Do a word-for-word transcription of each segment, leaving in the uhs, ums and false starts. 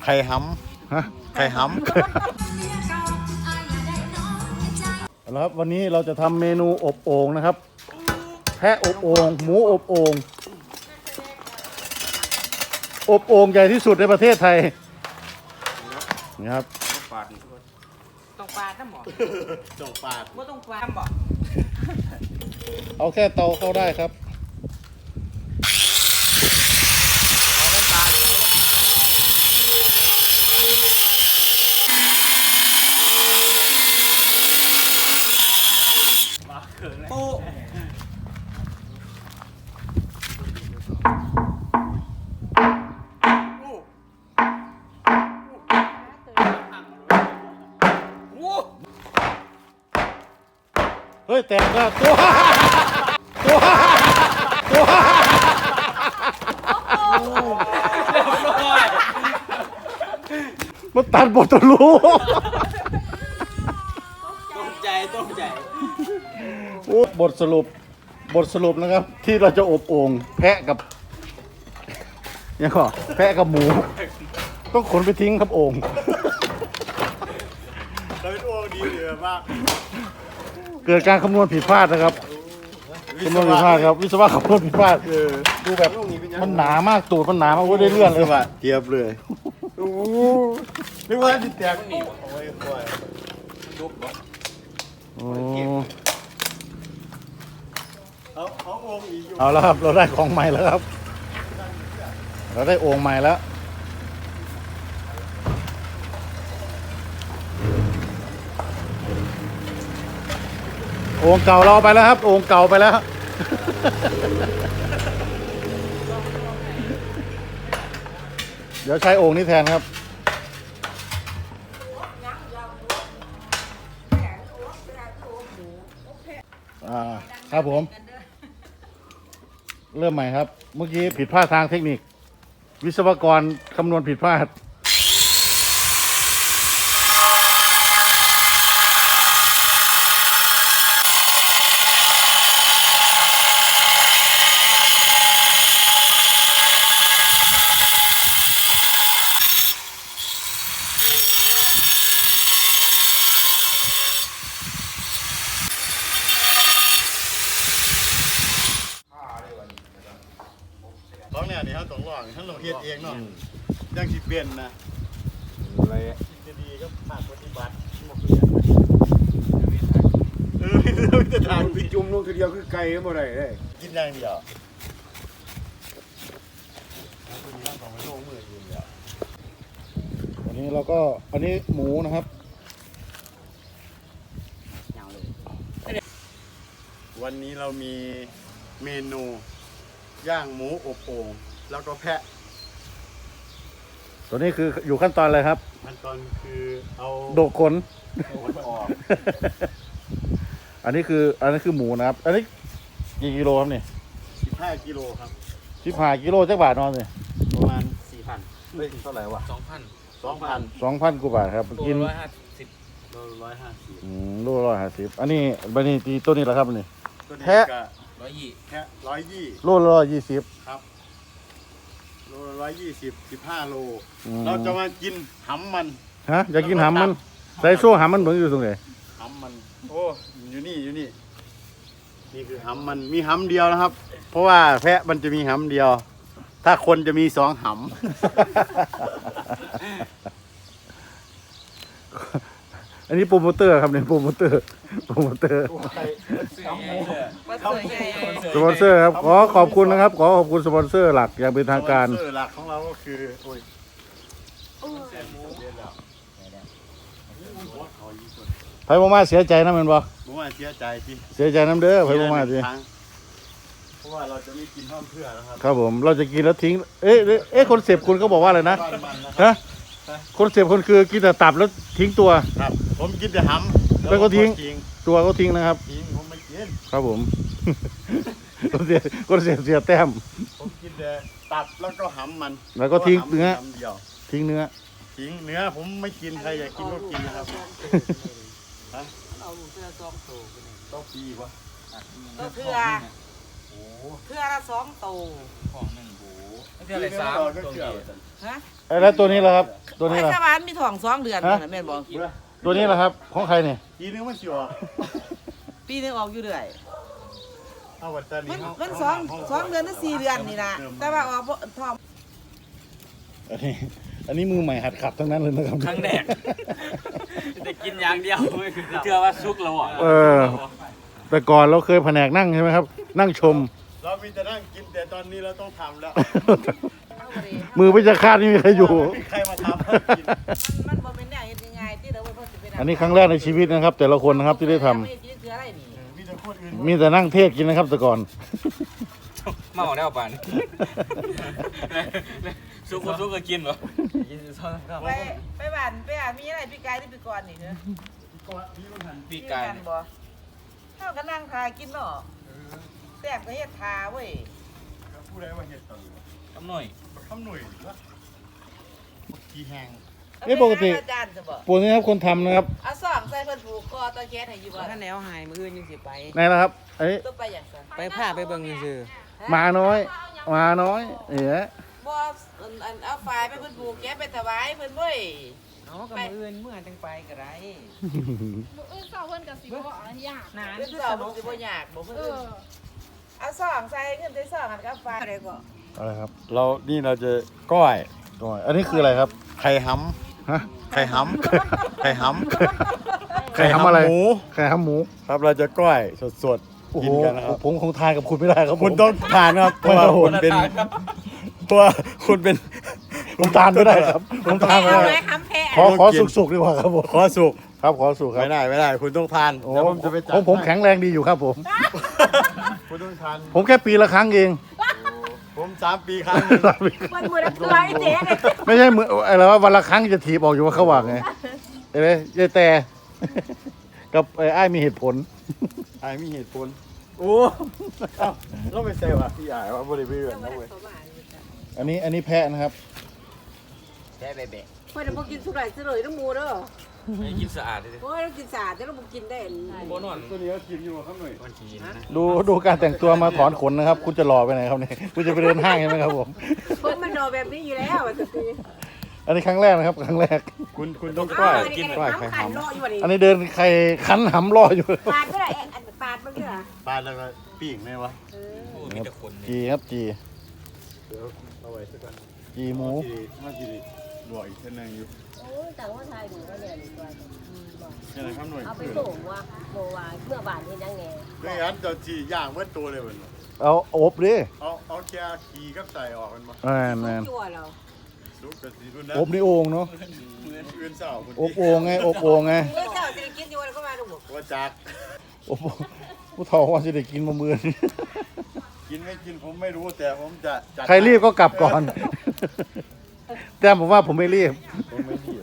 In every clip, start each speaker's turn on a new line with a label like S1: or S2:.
S1: ข่ห้ำฮะไข่ห้ำ
S2: แล้วครับวันนี้เราจะทำเมนูอบโอ่งนะครับแพะอบโอ่งหมูอบโอ่งอบโอ่งใหญ่ที่สุดในประเทศไทยนี่ครับ
S3: ตรงปลาน้ำหมอ
S1: จงปาด
S3: ว่าตรงปลาน้ำหมอ
S2: เอาแค่เตาเข้าได้ครับ
S3: ปู
S2: เฮ้ยแตกแล้วตัวตัวตัวมันตัดบททะลุ
S3: ต้มใจต้มใจ
S2: โอ้บทสรุปบทสรุปนะครับ ที่เราจะอบโอ่งแพะกับยังก็แพะกับหมู ต้องขนไปทิ้งครับโอ่ง
S1: เราเป็นอ้วงดีเลยแบบว่า
S2: เกิดการคำนวณผิดพลาดนะครับคำนวณผิดพลาดครับวิศวะคำนวณผิดพลาดดูแบบมันหนามากตูดมันหนามากว่าได้เลื่อนเลยว่ะ
S1: เทียบเลยโอ้นึกว่าจิตแตกหนีโอ้ยโอ้ยดุบบ่
S2: โอ้
S1: เขาเขาโอ่งอีกอยู่
S2: เอาแล้วครับเราได้ของใหม่แล้วครับ เราได้โอ่งใหม่แล้วโอ่งเก่าเราไปแล้วครับโอ่งเก่าไปแล้วเดี๋ยวใช้โอ่งนี้แทนครับอ่าครับผมเริ่มใหม่ครับเมื่อกี้ผิดพลาดทางเทคนิควิศวกรคำนวณผิดพลาด
S1: ร้องเนี่ยนี่เขาต้องร้องทั้งเราเฮ็ดเองเนาะยังสิเปลี่ยนนะอะไรจะดีก็ภาคปฏิบัติเออไม่จะทาง
S4: ไปจุ่มลงทีเดียวคือไก่ก็บ่ได้เลย
S1: กินอย่างเดียวของไม่ลงมือกินเดียว
S2: วันนี้เราก็อันนี้หมูนะครับ
S1: วันนี้เรามีเมนูย่างหมูอบโอ่งแล้วก็แพะ
S2: ตัวนี้คืออยู่ขั้นตอนอะไรครับ
S1: ขั้นตอนคือเอา
S2: โดกขน
S1: ขนออก
S2: อันนี้คืออันนี้คือหมูนะครับ อันนี้กี่กิโลครับเนี่ย
S1: สิบห้ากิโลครับ
S2: สิบห้ากิโลจักบาทนอนเลย
S1: ประมาณ
S3: สี่พัน
S1: เฮ้ยเท่าไหร่วะ
S3: สองพัน
S1: สองพัน
S2: สองพันกว่าบาทครับ
S3: ตัว
S2: กิน
S3: ร้อยห้าสิบ
S1: โลร้อยห้าสิบ
S2: อืมโลร้อยห้าสิบอันนี้บันนี้ตีตัวนี้แหละครับนี่
S1: ตัวนี้
S2: แพะ
S1: ก็
S3: ร้อยยี่
S1: แพะร้อยยี่
S2: โลร้อยยี่สิบ
S1: ครับโลร้อยยี่สิบสิบห้าโล
S2: อืม
S1: เราจะมากินหำมัน
S2: ฮะอยากกินหำมันใส่โซ่หำมันเหมือนอยู่ตรงไหน
S1: หำมันโอ้อยู่นี่อยู่นี่นี่คือหำมันมีหำเดียวนะครับ เพราะว่าแพะมันจะมีหำเดียว ถ้าคนจะมีสองห
S2: อันนี้โปรโมเตอร์ครับเนี่ยโปรโมเตอร์โปรโมเตอร์
S1: ำ
S3: ว่าสวยใหญ่
S2: สปอนเซอร์ครับขอขอบคุณนะครับขอขอบคุณสปอนเซอร์หลักอย่างเป็นทางการ
S1: สปอนเซอร์หลักของเราก็คือโอ้ยเ
S2: ไผ่บ่มาเสียใจนะแมันบ่
S1: ผมว่าเสียใจที่
S2: เสียใจน้ำเด้อไผ่บ่มาสิ
S1: เพราะว่าเราจะไม่กินห้อมเพื่อแล้วครับ
S2: ครับผมเราจะกินแล้วทิ้งเอ๊ะเอ๊ะเอ๊ะคนเสพคุณเขาบอกว่าอะไรนะ
S1: บ้านมันนะครับ
S2: ฮะคนเสพคนคือกินแต่ตับแล้วทิ้งตัว
S1: ครับผมกินแต่หำ
S2: แล้วก็ทิ้ง
S1: ทิ้ง
S2: ตัวก็ทิ้งนะครับ
S1: ทิ้งผมไม่กิน
S2: ครับผม คนเสียคนเสียเสียแต้ม
S1: ผมกินแต่ตับแล้วก็หำมัน
S2: แล้วก็ทิ้งเนื้อ
S1: หำเดียว
S2: ทิ้งเนื้อ
S1: ทิ้งเนื้อผมไม่กินใครอยากกินก็กินนะครับฮะ
S3: เอาเสื้อซองโตไปหนึ่ง
S1: ต้องปีวะ
S3: เพื่อเพื่อ
S1: โอ้
S3: เพื่อละสองโต
S1: ของหนึ่งโห
S3: เท่าไหร่สาม
S5: ฮะ
S2: เอ้ยแล้วตัวนี้ล่ะครับ ตัวนี้
S5: ไอ้
S2: ล่ะ
S5: ชาวบ้านมีท้องสองเดือนนั่นน่ะแม่นบอก
S2: ตัวนี้ล่ะครับ ของใครเนี่ย
S1: ทีนึงมันสิออก
S5: ปีหนึงออกอยู่เรื่อย
S1: เอาวัดตา
S5: มัน
S1: เฮา
S5: มันสองสองเดือนหรือสี่เดือนนี่ล่ะแต่ว่าออกบ่ท้อง
S2: อันนี้อันนี้มือใหม่หัดขับทั้งนั้นเลยนะครับ
S3: ครั้งแรกจะกินอย่างเดียวเชื่อว่าซุกแล้วอ่ะ
S2: เออ แต่ก่อนเราเคยแผนกนั่งใช่ไหมครับ นั่งชม
S1: เรามีแต่นั่งกินแต่ตอนนี้เราต้องทำแล้ว
S2: มือพิจารคาดไม่มีใครอยู่
S1: มีใครมาทำให้กิน
S5: มันบ่เป็นแนวเฮ็ดง่ายๆที่เราบ่สิไป
S2: อันนี้ครั้งแรกในชีวิตนะครับ แต่ละคนนะครับที่ได้ทำ
S5: ไม่กินเสืออะไรนี่
S1: มีแต่คนอื่น
S2: มีแต่นั่งเทศกินนะครับ แต่ก่อน
S3: มาเอาได้ป่านซุกซุกก็กินเหรอกินซ้อนครับ
S5: ไปไปบ้านไปอ่านมีอะไรพี่กายที่พี่กรนี่เด้อ
S3: ปีกไก่
S5: มีนบ่เฮาก็นั่งทากินเนาะแซ่บก็เฮ็ดทาเว้ย
S1: ผู้ใดว่าเห็ดตอนนี้
S3: ทำหน่อย
S1: ทำหน่วยละกี่แหง
S2: เอ้ยปกติ
S5: อาจารย์จะบอก
S2: ปูนี่ครับคนทำนะครับ
S5: เอาสองใส่เพิ่นผูกคอตะแก๊สให้อยู่บ่
S6: ถ้าแนวหายมืออื่นยังสิไป
S2: ไหนนะครับไอ้
S5: ต้องไปอย่างซั่น
S6: ไปผ้าไปเบิ่งซื่อ
S2: หมาน้อยหมาน้อยเอ๋
S5: บ่อันอันเอาฝ่ายไปเพิ่นผูกแก๊สไปถวายเพิ่นเว้ย
S6: เอากับมืออื่นเมื่อจังไปก็ได้
S7: มืออื่นเศร้าเพิ่นกับสิบบอกอันยาก
S6: นาน
S5: เพิ่นสอบมันสิบ่ยากบ่เพิ่น
S7: เอ
S5: อื่น
S7: อ
S5: เอาสองใส่เงินใส่สองอันกับฝ่ายอะไรก็
S2: อะไรครับ
S1: เรานี่เราจะก้อย
S2: ตัวอันนี้คืออะไรครับ
S1: ไข่ห
S2: ฮะ
S1: ำไข่หำไข่หำ
S2: ไข่หำอะไร
S1: หมู
S2: ไข่หำหมู
S1: ครับเราจะก้อยสด
S2: โอ้
S1: ๆ
S2: โห
S1: กินกันนะครับ
S2: ผมคงทานกับคุณไม่ได้ครับผม
S1: คุณต้องทานครับเพราะว่าคุณเป็นเพราะว่าคุณเป็น
S2: ผมทานไม่ได้ครับผมทานไม่
S5: เอา
S2: ได้
S5: ไว้คำแพ้
S2: ขอขอสุกๆดีกว่าครับผม
S1: ขอสุก
S2: ครับขอสุกครับ
S1: ไม่ได้ไม่ได้ คุณต้องทาน
S2: โอ้
S1: เดี๋ยวผมจะไปจัด
S2: ผมผม
S1: ให้
S2: แข็งแรงดีอยู่ครับผม
S1: คุณต้องทาน
S2: ผมแค่ปีละครั้งเอง
S1: ผมสามปีครั้งหนึ่ง
S5: มันมือละตัวไอ้เจ๊เนี่ย
S2: ไม่ใช่มืออะไรว่าวันละครั้งจะถีบออกอยู่ว่าเขาว่าไงเห็นไหมยายแต่ กับไอ้อ้ายมีเหตุผล
S1: ไอ้มีเหตุผลโอ้เอ้าเราไปเซลว่ะพี่ใหญ่ว่าบริเวณนะเว้ย
S2: อันนี้อันนี้แพะนะครับ
S3: แค่เบะ
S8: เพื่อนบอกกินสุดไหลสุดเลยต้องมูเด้อ
S3: ไม่กินสะอาดเลย
S8: โอ้ยเรากินสาดแต่เราบอกกินได้
S3: โบนอน
S1: ตัวนี้ก็กินอยู่ครับหน่อย
S3: วันทีนะ
S2: ดูดูการแต่งตัวมาถอนขนนะครับ คุณจะหล่อไปไหนครับเนี่ยคุณจะไปเดินห้างใช่ไหมครับผม
S8: ผมมันรอแบบนี้อยู่แล้วอ่ะตี
S2: อันนี้ครั้งแรกนะครับ ครั้งแรก
S1: คุณคุณต้อง
S8: ก้
S1: ก้
S8: อ
S1: อย ย
S8: กิ
S1: กิ
S8: น
S1: น
S8: ก้
S1: ก้
S8: อ
S1: อย ย
S8: ไข่
S1: ไข่
S8: หำ
S1: หำ
S8: รออยู่วันนี้
S2: อันนี้เดินใครคันหำรออยู่
S8: ปาดไม่ได้ปาดมันก็
S1: ปลาแล้วก็ปิ้งไหมวะ
S3: มีแต่คน
S2: จีครับจี
S1: เดี๋ยวเอาไว้สักก่อน
S2: จีหมู
S1: มาทีบวกอีกเท่านึงอยู่
S8: โอ้ยแต่ว่าไทยหนูก็เนี่ยดีกว่า
S1: ยังไงครับหน่วย
S8: เอาไปส่งว่าโมวาเมื่อบานที่ยังไง
S1: ไม่งั้นจะจีย่างเมื่อตัวเลยมัน
S2: เอาอบดิ
S1: เอาเอาแค่ขี่กับใส่ออกมันมา
S2: แมนแมน
S8: จั่วเรา
S1: ลุกกับสีรุ่นนั้น
S2: อบในโอ่งเนาะ
S1: อื่นเศร้าคุณ
S2: อบโอ่งไงอบโอ่งไง
S8: เมื่อเจ้าจะกินอยู่วันก็มาดู
S1: ว่าจาก
S2: อบโอ่งผู้ทองว่าจะได้กินมาเมือนี้
S1: กินไม่กินผมไม่รู้แต่ผมจะจัด
S2: ใครรีบก็กลับก่อน แต่ผมว่าผมไม่รีบ
S1: ผมไม่รีบ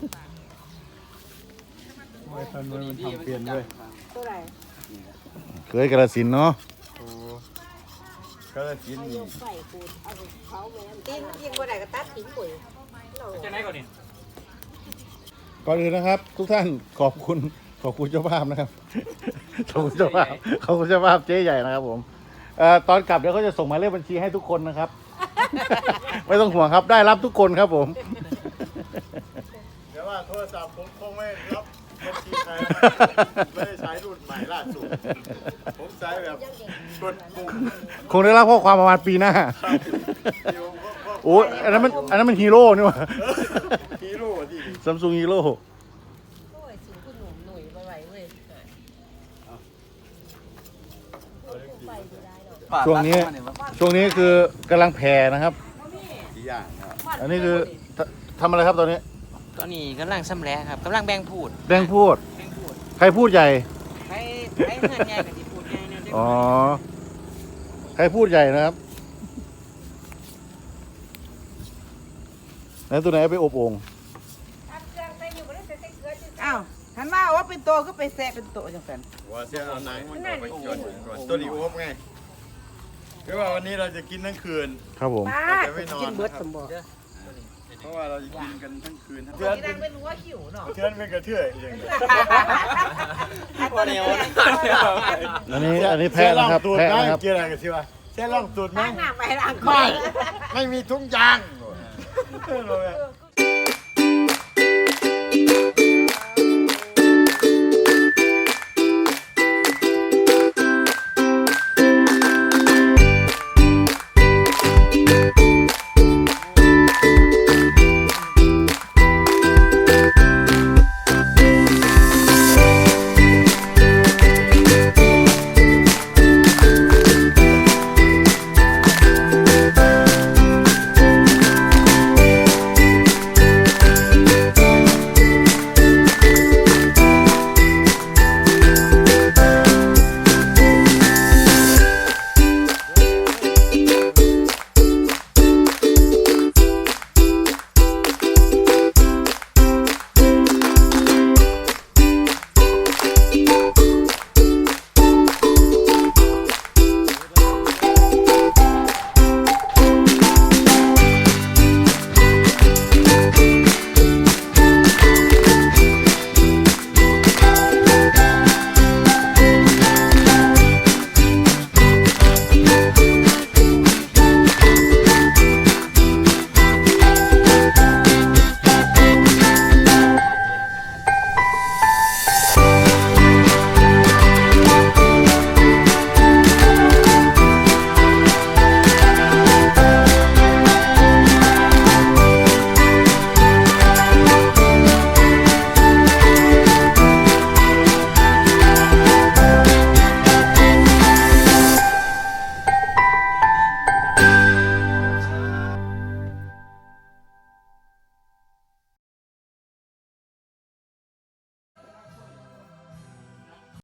S1: ไม่ทันมันทำเปลี่ยนด้วย
S8: ตัวไหน
S2: เคยกระสินธุ์เนาะ
S1: โอ้ก็จะกินนี่
S8: ใส่ปูดเอาเขาแม่ตีนยิงบ่ได้ก็ตัดทิ้งปุ๋ย
S3: จะไหนก่อนนี่
S2: ก่อนอื่นนะครับ ทุกท่านขอบคุณขอบคุณเจ้าภาพนะครับ ขอบคุณเจ้าภาพขอบคุณเจ้าภาพเจ๊ใหญ่นะครับผมเอ่อตอนกลับเดี๋ยวเขาจะส่งหมายเลขบัญชีให้ทุกคนนะครับ ไม่ต้องห่วงครับได้รับทุกคนครับผม
S1: เดี๋ยวว่าโทรศัพท์ผมคงไม่รับบัญชีใครนะไม่ได้ใช้รุ่นใหม่ล่าสุดผมใช้แบบกดปุ่ม
S2: คงได้รับข้อความประมาณปีหน้า
S1: เดี๋ยวผมก็
S2: โอ้ยอันนั้นมันอันนั้นมันฮีโร่นี่หว่า
S1: ฮีโร่ที่
S2: ซัมซุงฮีโร่
S5: โอ้ยสูงคุณหนุ่มหนุ่ยบ่ไหวเว้ย
S2: ช่วงนี้ช่วงนี้คือกำลังแผ่นะครับ
S1: สี่อย่างนะครับ
S2: อันนี้คือททำอะไรครับตอนนี้
S6: ตอนนี้กำลังซ้ำแล้ครับกำลังแบ่งพูด
S2: แดงพูด
S6: แบ่งพูด
S2: ใครพูดใหญ่
S6: ใครใครเงินใหญ่กับที่พูดใหญ่เนี่ย
S2: อ๋อ ใครพูดใหญ่นะครับแล้วตัวไหนเอาไปอบโอ่ง
S5: อ้าวหันมาว่าเป็นโตก็ไปแซะเป็นโตจังซั่น
S1: ว่าเสียเอาหนังมันออกไปก่อนก่อนตัวนี้อบไงคือว่าวันนี้เราจะกินทั้งคืน
S2: ครับผม
S8: ป้ากินเบิดสมบูรณ์
S1: เพราะว่าเราจะกินกันทั้งคืนทั้ง
S5: เดื
S1: เทื
S5: อ
S1: อน น
S5: นั่งเป็นหัวขิวเนาะ
S1: เทือนเป็นกระเทือยอย่างเงี้ย
S2: อันนี้อันนี้แพะนะครับ
S1: ตัว
S2: แพะ
S1: ล่าง
S2: นะครับ
S1: ตัว
S2: แพะ
S1: ล่าง
S2: นะครับ
S1: เกี่ยวอะไรกันสิวะแค่ลองสูตรไหม
S8: ล้างหน้าไปล้าง
S1: ไม่ไม่มีทุงยาง